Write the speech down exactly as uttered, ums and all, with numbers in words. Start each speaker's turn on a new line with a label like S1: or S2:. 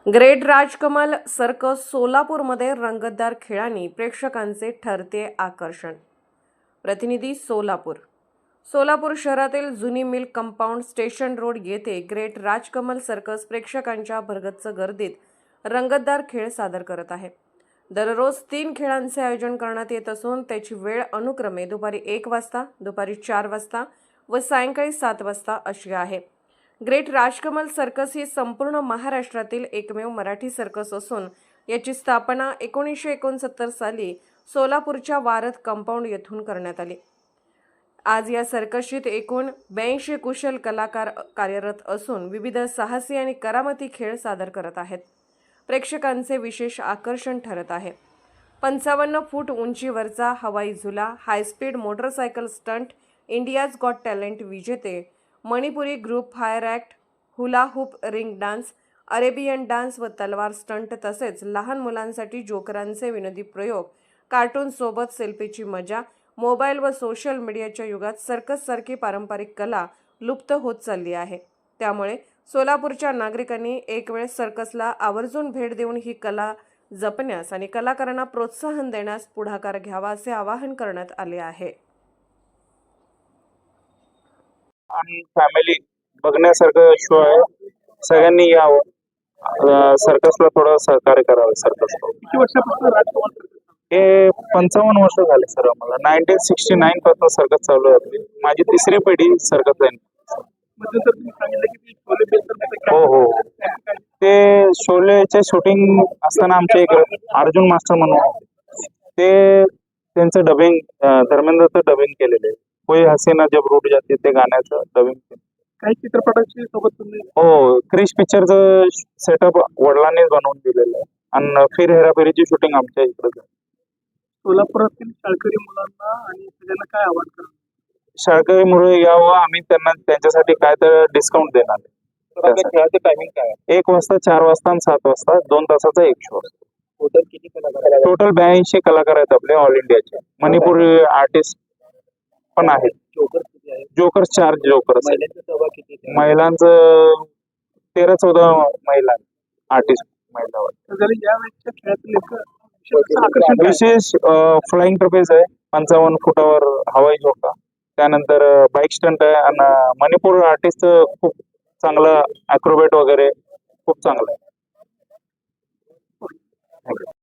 S1: Great Rajkamal circus सोलापूरमध्ये रंगतदार खेळांनी प्रेक्षकांचे ठरते आकर्षण। प्रतिनिधी सोलापूर। सोलापूर शहरातील जुनी मिल कंपाऊंड स्टेशन रोड येथे ग्रेट राजकमल सर्कस प्रेक्षकांच्या भरगच्च गर्दीत रंगतदार खेळ सादर करत आहे। दररोज तीन खेळांचे आयोजन करण्यात येत असून त्याची वेळ अनुक्रमे दुपारी एक वाजता, दुपारी चार वाजता व सायंकाळी सात वाजता अशी आहे। ग्रेट राजकमल सर्कस ही संपूर्ण महाराष्ट्रातील एकमेव मराठी सर्कस असून याची स्थापना एकोणीसशे एकोणसत्तर साली सोलापूरच्या वारद कंपाऊंड येथून करण्यात आली। आज या सर्कशीत एकूण ब्याऐंशी कुशल कलाकार कार्यरत असून विविध साहसी आणि करामती खेळ सादर करत आहेत। प्रेक्षकांचे विशेष आकर्षण ठरत आहे। पंचावन्न फूट उंचीवरचा हवाई झुला, high speed motorcycle stunt, India's got talent विजेते, Manipuri group fire act, hula hoop ring dance, Arabian dance व तलवार स्टंट तसेच लहान मुलांसाठी जोकरांचे विनोदी प्रयोग, कार्टून सोबत सेल्फीची मजा। मोबाईल व सोशल मीडियाच्या युगात सर्कससारखी पारंपरिक कला लुप्त होत चालली आहे। त्यामुळे सोलापूरच्या नागरिकांनी एक वेळ सर्कसला आवर्जून भेट देऊन ही कला जपण्यास आणि कलाकारांना प्रोत्साहन देण्यास पुढाकार घ्यावा असे आवाहन करण्यात आले आहे।
S2: आणि फॅमिली बघण्यासारखं शो आहे, सगळ्यांनी यावं, सर्कसला थोडं सहकार्य करावं। सर्कस
S3: किती वर्षापासून राजकमल
S2: हे पंचावन्न वर्ष झाले सर, आम्हाला नाईन्टीन सिक्स्टी नाईन पासून सर्कस चालू आहे। माझी तिसरी पिढी सर्कस आहे।
S3: मध्यंतर तुम्ही सांगितलं की ती शोले बेस करण्याचं
S2: हो हो ते शोलेचे शूटिंग असताना आमच्या इकडे अर्जुन मास्टर म्हणून होते, ते त्यांचं डबिंग धर्मेंद्रचं डबिंग केलेलं आहे। कोई हसीना जब रूठ जाती ते गाण्याचं डबिंग
S3: काही चित्रपटाची सोबत तुम्ही
S2: हो क्रिश पिक्चरचं सेटअप वडिलांनीच बनवून दिलेलं आहे आणि फिर हेराफेरीची शूटिंग आमच्या इकडे।
S3: सोलापुरातील शाळकरी मुलांना आणि सगळ्यांना काय आवाहन करा?
S2: शाळकरी मुळे यावं, आम्ही त्यांना त्यांच्यासाठी काय तर डिस्काउंट देणार आहे। खेळाचं टायमिंग काय? एक वाजता, चार वाजता आणि सात वाजता, दोन तासाचा एक शो असतो। टोटल किती कलाकार? टोटल ब्याऐंशी कलाकार आहेत आपले ऑल इंडियाचे। मणिपुरी आर्टिस्ट पण आहेत। जोकर्स चार जोकर्स। महिलांचं तेरा चौदा महिला आर्टिस्ट महिला।
S3: यावेळेच्या खेळातील एक आकर्षण
S2: विशेष फ्लाइंग ट्रपेज आहे, पंचावन्न फुटावर हवाई झोका, त्यानंतर बाईक स्टंट आहे आणि मणिपूर आर्टिस्ट खूप चांगलं ॲक्रोबॅट वगैरे खूप चांगलं आहे।